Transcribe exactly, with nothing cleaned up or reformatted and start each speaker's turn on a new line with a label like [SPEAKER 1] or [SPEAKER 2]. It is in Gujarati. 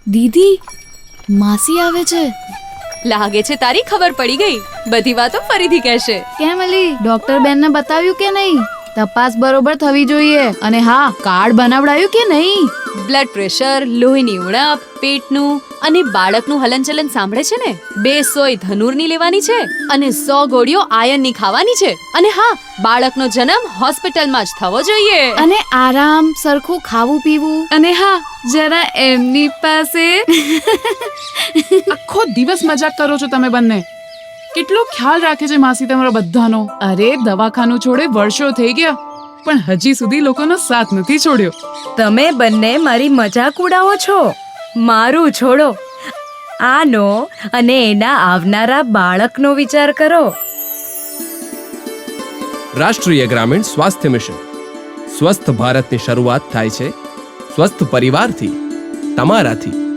[SPEAKER 1] દીદી, માસી આવે છે.
[SPEAKER 2] લાગે છે તારી ખબર પડી ગઈ. બધી વાતો ફરીથી કહેશે.
[SPEAKER 1] કેમ અલી, ડોક્ટર બેનને બતાવ્યું કે નહીં? તપાસ બરોબર થવી જોઈએ. અને હા, કાર્ડ બનાવડાયું કે નહીં?
[SPEAKER 2] બ્લડ પ્રેશર, લોહીની ઉણપ, પેટનું અને બાળકનું હલનચલન સાંભળે છે ને? બે સોય ધનુરની લેવાની છે અને સો ગોળીઓ આયર્નની ખાવાની છે. અને હા, બાળકનો જન્મ હોસ્પિટલમાં જ થવો જોઈએ.
[SPEAKER 1] અને આરામ, સરખું ખાવું પીવું. અને હા, જરા એમની પાસે.
[SPEAKER 3] આખો દિવસ મજાક કરો છો તમે બંને. કેટલો ખ્યાલ રાખે છે માસી તમારા બધાનો. અરે દવાખાનું છોડે વર્ષો થઈ ગયા, પણ હજી સુધી લોકોનો સાથ નથી છોડ્યો.
[SPEAKER 4] તમે બંને મારી મજાક ઉડાવો છો. મારું છોડો, આનો અને એના આવનારા બાળકનો વિચાર કરો.
[SPEAKER 5] રાષ્ટ્રીય ગ્રામીણ સ્વાસ્થ્ય મિશન. સ્વસ્થ ભારતની શરૂઆત થાય છે સ્વસ્થ પરિવારથી, તમારાથી.